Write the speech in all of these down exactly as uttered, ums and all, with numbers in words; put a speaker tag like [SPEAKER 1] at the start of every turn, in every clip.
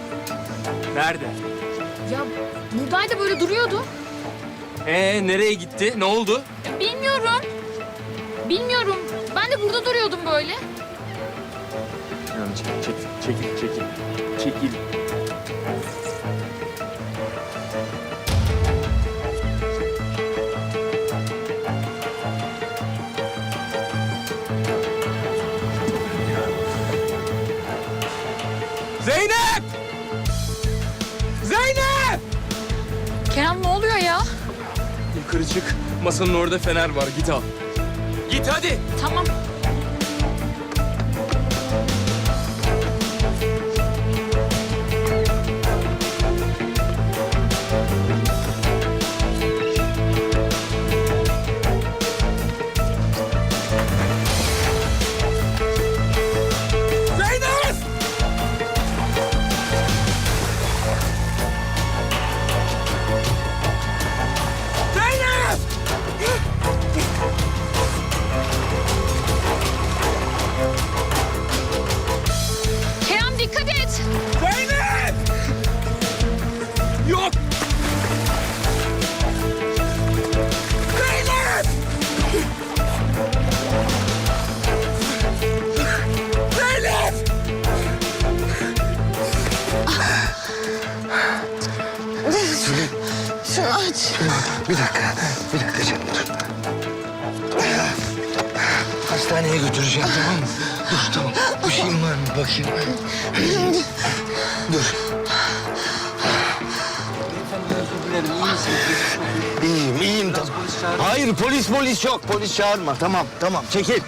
[SPEAKER 1] Nerede?
[SPEAKER 2] Ya buradaydı, böyle duruyordu.
[SPEAKER 1] Ee nereye gitti? Ne oldu?
[SPEAKER 2] Ya, bilmiyorum. Bilmiyorum. Ben de burada duruyordum böyle.
[SPEAKER 1] Yani çekil, çekil, çekil, çekil. Çekil. Zeynep! Zeynep!
[SPEAKER 2] Kerem, ne oluyor ya?
[SPEAKER 1] Yukarı çık. Masanın orada fener var. Git al. Git hadi.
[SPEAKER 2] Tamam.
[SPEAKER 1] Zeynep! Zeynep!
[SPEAKER 2] Kerem, dikkat et.
[SPEAKER 1] Zeynep! Yok! Zeynep! Zeynep!
[SPEAKER 3] Şunu aç. Bir dakika, bir dakika canım dur. Hastaneye götüreceğim, tamam mı? Dur, tamam. Bir şeyin var mı? Bakayım. Dur. İyiyim, iyiyim tamam. Hayır, polis polis yok. Polis çağırma. Tamam, tamam. Çekil.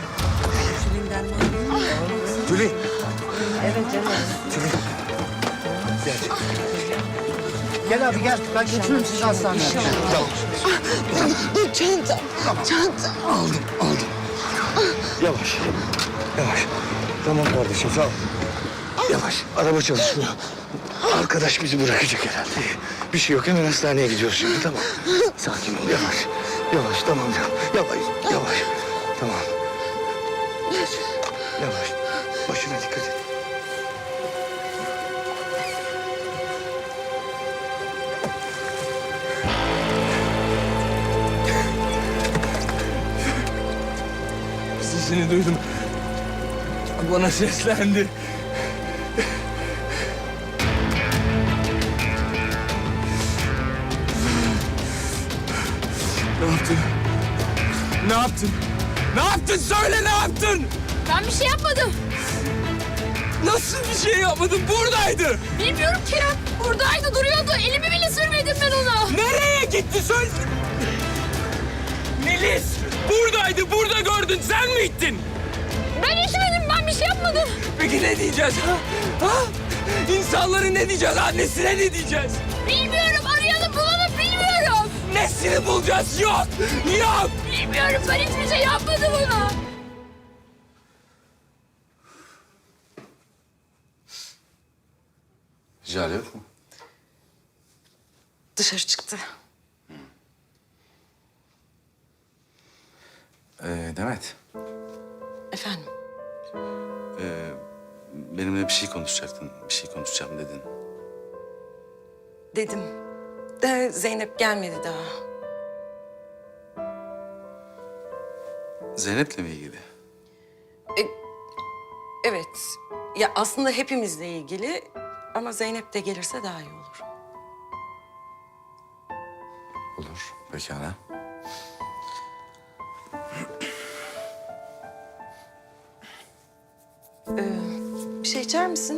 [SPEAKER 3] Tülin. Evet canım. Tülin. Gel. Gel abi gel. Ben götürürüm sizi hastaneye. Tamam.
[SPEAKER 4] Dur çantam, çantam.
[SPEAKER 3] Aldım, aldım. Yavaş, yavaş. Tamam kardeşim, sağ ol. Yavaş, araba çalışmıyor. Arkadaş bizi bırakacak herhalde. Bir şey yok, hemen hastaneye gidiyoruz şimdi, tamam. Sakin ol, yavaş. Yavaş, tamam, yavaş, yavaş. Tamam. Yavaş, başına dikkat et.
[SPEAKER 1] Sesini duydum. Bana seslendi. Ne yaptın? Ne yaptın? Ne yaptın? Söyle ne yaptın?
[SPEAKER 2] Ben bir şey yapmadım.
[SPEAKER 1] Nasıl bir şey yapmadın? Buradaydı.
[SPEAKER 2] Bilmiyorum Kerem. Buradaydı, duruyordu. Elimi bile sürmedim ben ona.
[SPEAKER 1] Nereye gitti? Söyle. Melis! Buradaydı, burada gördün. Sen mi ittin?
[SPEAKER 2] Ben içmedim, ben bir şey yapmadım.
[SPEAKER 1] Peki ne diyeceğiz ha? Ha? İnsanlara ne diyeceğiz? Annesine ne diyeceğiz?
[SPEAKER 2] Bilmiyorum, arayalım bulalım, bilmiyorum.
[SPEAKER 1] Nesini bulacağız? Yok! Yok!
[SPEAKER 2] Bilmiyorum, ben hiçbir şey yapmadım ona.
[SPEAKER 5] Jale yok mu?
[SPEAKER 4] Dışarı çıktı.
[SPEAKER 5] Ee, Demet,
[SPEAKER 4] Efendim?
[SPEAKER 5] ee, benimle bir şey konuşacaktın. Bir şey konuşacağım dedin.
[SPEAKER 4] Dedim. De Zeynep gelmedi daha.
[SPEAKER 5] Zeynep'le mi ilgili?
[SPEAKER 4] E, evet. Ya aslında hepimizle ilgili ama Zeynep de gelirse daha iyi olur.
[SPEAKER 5] Olur, pekala.
[SPEAKER 4] Ee, bir şey içer misin?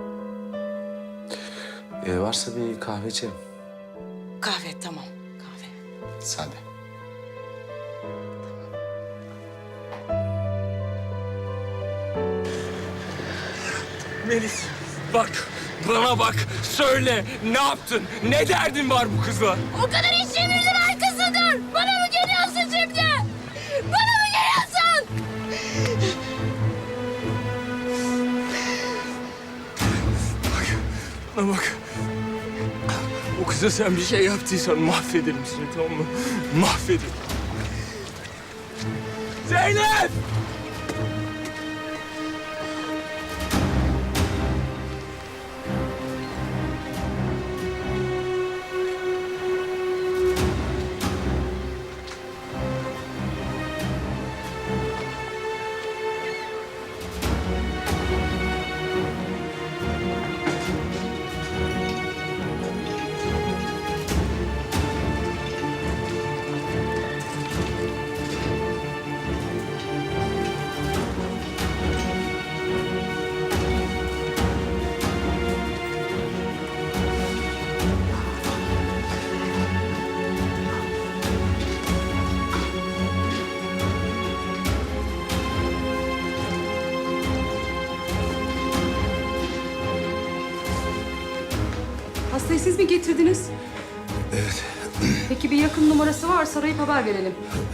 [SPEAKER 5] Ee, varsa bir kahve içelim.
[SPEAKER 4] Kahve, tamam. Kahve.
[SPEAKER 5] Sade.
[SPEAKER 1] Melis, bak. Bana bak. Söyle. Ne yaptın? Ne derdin var bu kızla?
[SPEAKER 2] O kadar iş çevirdin, arkasıdır. Bana mı geliyorsun şimdi? Bana mı geliyorsun?
[SPEAKER 1] Bana bak. O kıza sen bir şey yaptıysan mahvederim seni, tamam mı? Mahvederim. Zeynep!
[SPEAKER 6] Hastayı siz mi getirdiniz?
[SPEAKER 3] Evet.
[SPEAKER 6] Peki bir yakın numarası varsa arayıp haber verelim.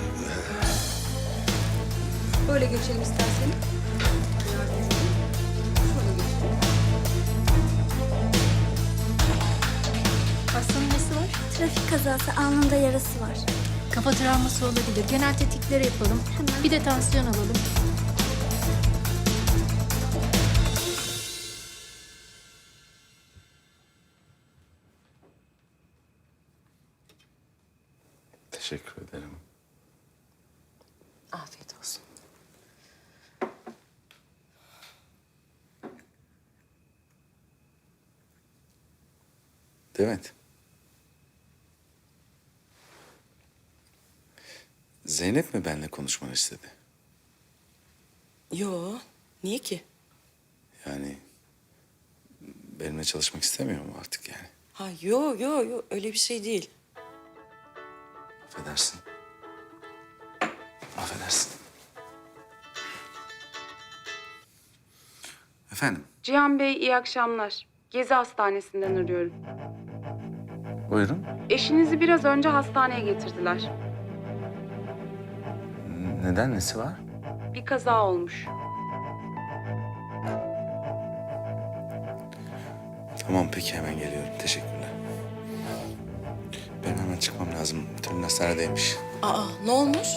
[SPEAKER 6] Böyle geçelim isterseniz. Şöyle geçelim.
[SPEAKER 2] Hastanın nesi var?
[SPEAKER 7] Trafik kazası, alnında yarası var.
[SPEAKER 2] Kafa travması olabilir. Genel tetkikleri yapalım.
[SPEAKER 7] Hemen.
[SPEAKER 2] Bir de tansiyon alalım.
[SPEAKER 5] Teşekkür ederim.
[SPEAKER 4] Afiyet olsun.
[SPEAKER 5] Demet. Zeynep mi benimle konuşmanı istedi?
[SPEAKER 4] Yo, niye ki?
[SPEAKER 5] Yani benimle çalışmak istemiyor mu artık yani?
[SPEAKER 4] Ha yo yo yo öyle bir şey değil.
[SPEAKER 5] Affedersin. Affedersin. Efendim,
[SPEAKER 6] Cihan Bey iyi akşamlar. Gezi Hastanesi'nden arıyorum.
[SPEAKER 5] buyurun.
[SPEAKER 6] Eşinizi biraz önce hastaneye getirdiler.
[SPEAKER 5] N- Neden, nesi var?
[SPEAKER 6] Bir kaza olmuş.
[SPEAKER 5] Tamam, peki hemen geliyorum. Teşekkürler. Benim hemen çıkmam lazım. Tülin hastanedeymiş.
[SPEAKER 4] Aa ne olmuş?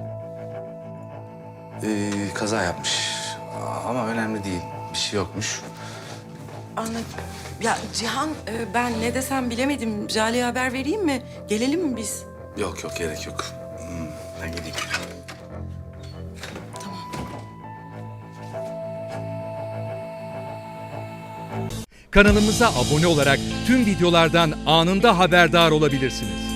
[SPEAKER 5] Ee, kaza yapmış. Ama önemli değil. Bir şey yokmuş.
[SPEAKER 4] Anladım. Ya Cihan e, ben ne desem bilemedim. Jale'ye haber vereyim mi? Gelelim mi biz?
[SPEAKER 5] Yok yok, gerek yok. Hmm, ben gideyim.
[SPEAKER 8] Kanalımıza abone olarak tüm videolardan anında haberdar olabilirsiniz.